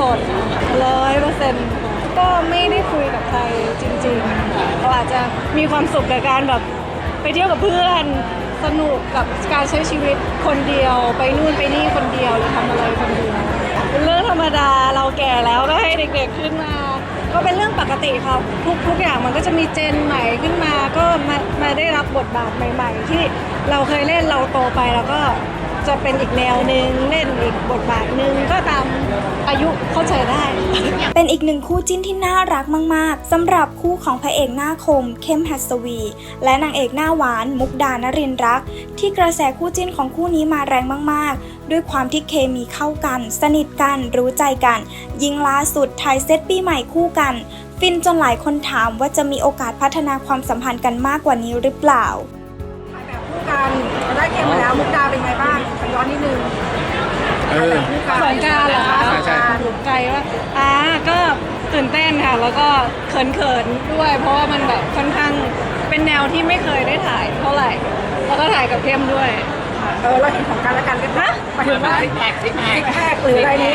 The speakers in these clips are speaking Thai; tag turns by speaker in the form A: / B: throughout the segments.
A: สด 100%ก็ไม่ได้คุยกับใครจริงๆเราอาจจะมีความสุขกับการแบบไปเที่ยวกับเพื่อนสนุกกับการใช้ชีวิตคนเดียวไปนู่นไปนี่คนเดียวหรือทำอะไรคนเดียวเป็นเรื่องธรรมดาเราแก่แล้วก็ให้เด็กๆขึ้นมาก็เป็นเรื่องปกติครับทุกอย่างมันก็จะมีเจนใหม่ขึ้นมาก็มาได้รับบทบาทใหม่ๆที่เราเคยเล่นเราโตไปแล้วก็จะเป็นอีกแนวหนึ่งเล่นอีกบทบาทหนึ่งก็ตามอายุเข้าใจได้
B: เป็นอีกหนึ่งคู่จิ้นที่น่ารักมากๆสำหรับคู่ของพระเอกหน้าคมเข้มหัสวีและนางเอกหน้าหวานมุกดานรินทร์รักที่กระแสคู่จิ้นของคู่นี้มาแรงมากๆด้วยความที่เคมีเข้ากันสนิทกันรู้ใจกันยิ่งล่าสุดถ่ายเซตปีใหม่คู่กันฟินจนหลายคนถามว่าจะมีโอกาสพัฒนาความสัมพันธ์กันมากกว่านี้หรือเปล่า
A: แบบคู่กันได้เกมมาแล้วมุกดาเป็นไงบ้างย้อนนิดนึงสงการเหรอคะหลุดใจว่าก็ตื่นเต้นค่ะแล้วก็เขินๆด้วยเพราะว่ามันแบบค่อนข้างเป็นแนวที่ไม่เคยได้ถ่ายเท่าไหร่แล้วก็ถ่ายกับเข้มด้วยเราเห็นของกันและกันกันนะหมายถึงว่าซิกแพคหรืออะไรนี้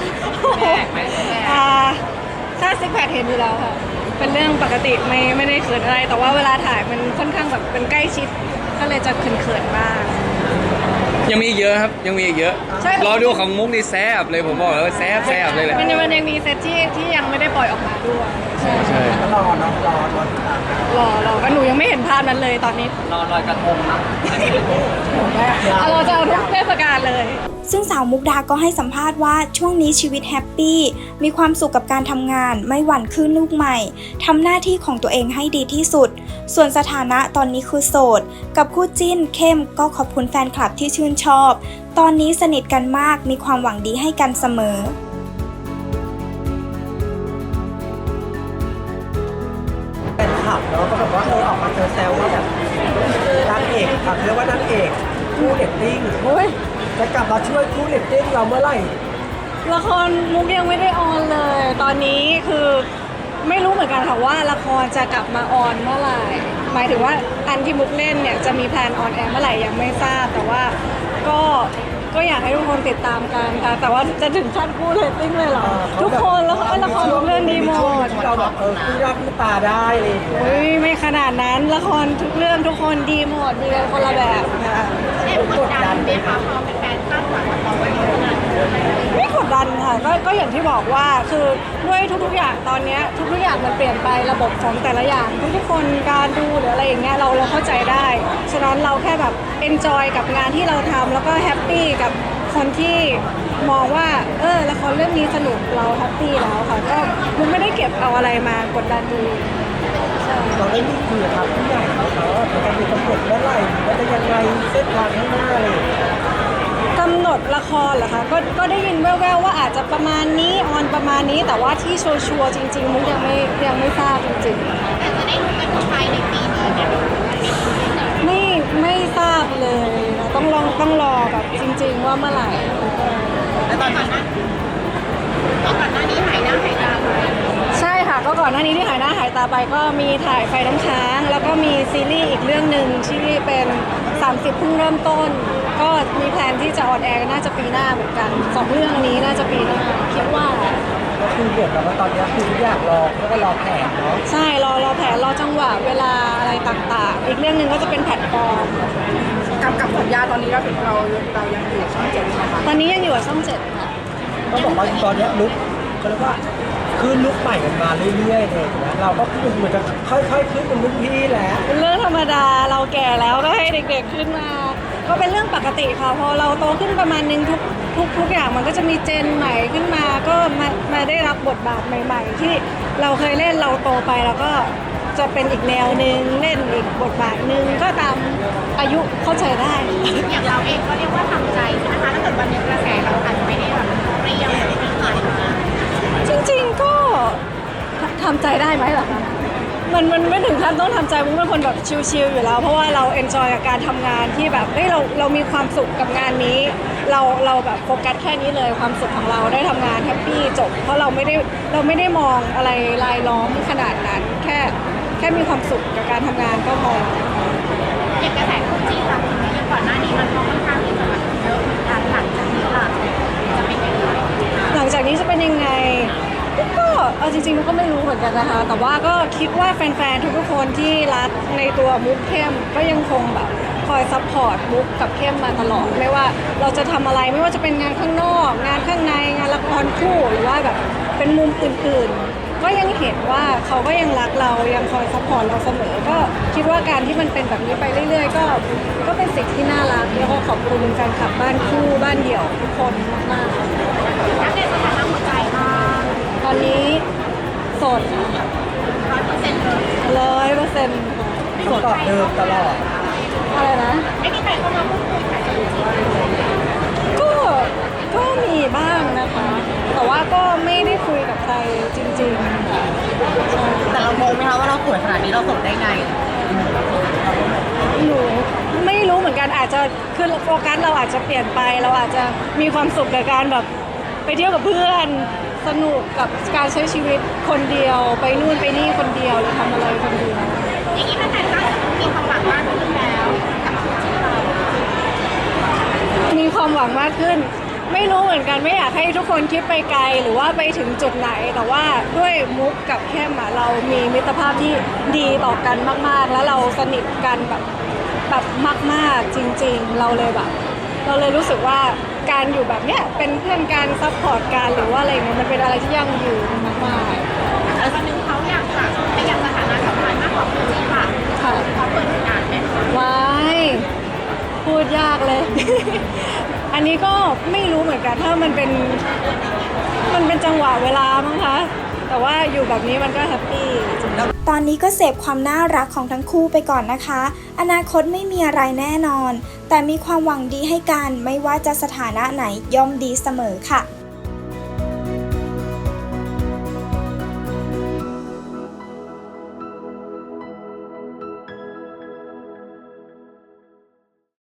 A: ถ้าซิกแพคเห็นอยู่แล้วค่ะเป็นเรื่องปกติไม่ได้เขินอะไรแต่ว่าเวลาถ่ายมันค่อนข้างแบบเป็นใกล้ชิดก็เลยจะเขินๆบ้าง
C: ยังมีเยอะครับยังมีเยอะรอดูของมุกนี่แซ่บเลยผมบอกแล้วแซ่บเลยแหละ
A: มันยังมีเซตที่ยังไม่ได้ปล่อยออกมาด้วยใช่
D: รอ
A: ก็หนูยังไม่เห็นภาพนั้นเลยตอนนี้
D: รอลอยกระทงนะ
A: เราจะเอาทุกเทศกาลเลย
B: ซึ่งสาวมุกดาก็ให้สัมภาษณ์ว่าช่วงนี้ชีวิตแฮปปี้มีความสุขกับการทำงานไม่หวั่นคลื่นลูกใหม่ทำหน้าที่ของตัวเองให้ดีที่สุดส่วนสถานะตอนนี้คือโสดกับคู่จิ้นเข้มก็ขอบคุณแฟนคลับที่ชื่นชอบตอนนี้สนิทกันมากมีความหวังดีให้กันเสมอ
D: เป็นขับเนาะก็แบบว่าออกมาเจอแซวว่าแบบนางเอกเรียกว่านางเอกคู่เรตติ้งจะกลับมาช่วยคู่เรตติ้งเราเมื่อไหร่
A: ละครมุกยังไม่ได้ออนเลยตอนนี้คือไม่รู้เหมือนกันค่ะว่าละครจะกลับมาออนเมื่อไหร่หมายถึงว่าอันที่มุกเล่นเนี่ยจะมีแพลนออนแอร์เมื่อไหร่ยังไม่ทราบแต่ว่าก็อยากให้ทุกคนติดตามกันค่ะแต่ว่าจะถึงขั้นคู่เรตติ้งเลยเหรอทุกคนแล้วก็ละครทุกเรื่องดีหมด
D: เราแบบคู่รักคู่ตาได้เลย
A: ไม่ขนาดนั้นละครทุกเรื่องทุกคนดีหมดดีกันคนละแบบค่ะ
D: กดดันไหมคะพอ
A: เป็นแฟนคาดหวังเราไว้ไม่กดดันค่ะก็อย่างที่บอกว่าคือด้วยทุกๆอย่างตอนนี้ทุกๆอย่างมันเปลี่ยนไประบบของแต่ละอย่างทุกๆคนการดูหรืออะไรอย่างเงี้ยเราเข้าใจได้ฉะนั้นเราแค่แบบเอนจอยกับงานที่เราทำแล้วก็แฮปปี้กับคนที่มองว่าละครเรื่องนี้สนุกเราแฮปปี้แล้วค่ะก็มันไม่ได้เก็บเอาอะไรมากดดันดู
D: เราได้มีคุยกับผู้ใหญ่เขาว่าจะมีกำหนดเมื่อไหร่ว่าจะยังไงเส้นทางข้างหน้าเลย
A: กำหนดละครเหรอคะก็ได้ยินแว่วๆว่าอาจจะประมาณนี้ออนประมาณนี้แต่ว่าที่ชัวร์จริงๆมุกยังไม่ทราบจริงๆแต่จะได้รู้กันภายในปีนี้เนี่ยไม่ทราบเลยต้องรอแบบจริงๆว่าเมื่อไหร่
D: แล้วตอนนั้นนี้หายหน้าหายตาไป
A: ใช่ค่ะก็ก่อนหน้านี้ที่หายหน้าหายตาไปก็มีถ่ายไฟน้ำค้างแล้วก็มีซีรีส์อีกเรื่องหนึ่งที่เป็น30เพิ่งเริ่มต้นก็มีแผนที่จะออนแอร์น่าจะปีหน้าเหมือนกัน2เรื่องนี้น่าจะปีหน้าคิดว่า
D: ก็คือเหมือนกับว่าตอนนี้คือทุกอย่างก็รอแผนเนาะ
A: ใช่รอแผนรอจังหวะเวลาอะไรต่างๆอีกเรื่องหนึ่งก็จะเป็นแพลตฟอร์มกับสัญญาตอนนี้เรายังอยู่ช่อง7ใช่ไหมคะตอนนี้ยังอยู่กับช่อง7ค่ะ
D: ก็บอกว่าตอนนี้ลุกก็เรียกว่าขึ้นลุกใหม่กันมาเรื่อยๆเลยนะเราก็คือเหมือนจะค่อยๆขึ้นเป็นลุกพี่แหละ
A: เป็นเรื่องธรรมดาเราแก่แล้วก็ให้เด็กๆขึ้นมาก็เป็นเรื่องปกติค่ะพอเราโตขึ้นประมาณนึงทุกอย่างมันก็จะมีเจนใหม่ขึ้นมาก็มาได้รับบทบาทใหม่ๆที่เราเคยเล่นเราโตไปแล้วก็จะเป็นอีกแนวหนึ่งเล่นอีกบทบาทหนึ่งก็ตามอายุเข้าใจได้
E: อย่างเราเองก็เรียกว่าทำใจนะคะถ้าเกิดวันนี้กระแสเราอาจจะไม่ได้แบบเปรี้ยวอย่างที่ผ่านมา
A: จริงๆก็ทำใจได้ไหมล่ะคะมันไม่ถึงขั้นต้องทำใจมุกเป็นคนแบบชิลๆอยู่แล้วเพราะว่าเราเอนจอยกับการทำงานที่แบบเรามีความสุขกับงานนี้เราแบบโฟกัสแค่นี้เลยความสุขของเราได้ทำงานแฮปปี้จบเพราะเราไม่ได้มองอะไรรายล้อมขนาดนั้นแค่มีความสุขกับการทำงานก็พอ
E: อย่างกระแสคู่จิ้นหลังจากก่อนหน้านี้มันค่อนข้างที่จะแบบเยอะเหมือนกันหลังจากนี้ล่ะจะเป็นยังไง
A: หลังจากนี้จะเป็นยังไงเอาจริงๆมุกก็ไม่รู้เหมือนกันนะคะ แต่ว่าก็คิดว่าแฟนๆทุกๆคนที่รักในตัวมุกเข้มก็ยังคงแบบคอยซัพพอร์ตมุกกับเข้มมาตลอดไม่ว่าเราจะทำอะไรไม่ว่าจะเป็นงานข้างนอก งานข้างในงานละครคู่หรือว่าแบบเป็นมุมอื่นๆ ก็ยังเห็นว่าเขาก็ยังรักเรายังคอยซัพพอร์ตเราเสมอก็คิดว่าการที่มันเป็นแบบนี้ไปเรื่อยๆก็เป็นสิ่งที่น่ารักแล้วก็ขอบคุณแฟนคลับบ้านคู่บ้านเดี่ยวทุกคนมากๆ
E: อัปเดตสถานะหัวใจค่ะ
A: ตอนนี้โสดค่ะ
E: 100%เลย
A: 100%โสด
D: ตอบเดิมตลอด
A: อะไรนะ
E: ไม่มีใครเข้ามาพูดคุยค่ะ
A: ก็มีบ้างนะคะ แต่ว่าก็ไม่ได้คุยกับใครจริงๆค่ะใช่
F: แต่เรางงไหมคะว่าเราสวยขนาดนี้เราโสดได้ไง
A: หนูไม่รู้เหมือนกันอาจจะคือโฟกัสเราอาจจะเปลี่ยนไปเราอาจจะมีความสุขกับการแบบไปเที่ยวกับเพื่อนสนุกกับการใช้ชีวิตคนเดียวไปนู่นไปนี่คนเดียวหรือทำอะไรคนเดียว
E: อย่างนี้แฟนๆก็มีความหวังมากขึ้นแล้วกับชีวิตเรา
A: มีความหวังมากขึ้น ไม่รู้เหมือนกันไม่อยากให้ทุกคนคิดไปไกลหรือว่าไปถึงจุดไหน แต่ว่าด้วยมุกกับเข้มอะเรามีมิตรภาพที่ดีต่อกันมากๆ แล้วเราสนิทกันแบบมากๆจริงๆเราเลยรู้สึกว่าการอยู่แบบเนี้ยเป็นเพื่อนกันซัพพอร์ตกันหรือว่าอะไรเงี้ยมันเป็นอะไรที่ยั่งยืนมาก
E: แต่วันหนึงเขาอยากจะขยับสถานะสัมพันธ์มากกว่าคู่จริงค่ะ
A: ๆค่ะ
E: เขาเปิดโอกาสไหม
A: ว้ายพูดยากเลย อันนี้ก็ไม่รู้เหมือนกันถ้ามันเป็นจังหวะเวลามั้งคะแต่ว่าอยู่แบบนี้มันก็แฮปปี้จริงๆ
B: ตอนนี้ก็เสพความน่ารักของทั้งคู่ไปก่อนนะคะ อนาคตไม่มีอะไรแน่นอน แต่มีความหวังดีให้กันไม่ว่าจะสถานะไหนย่อมดีเสมอค่ะ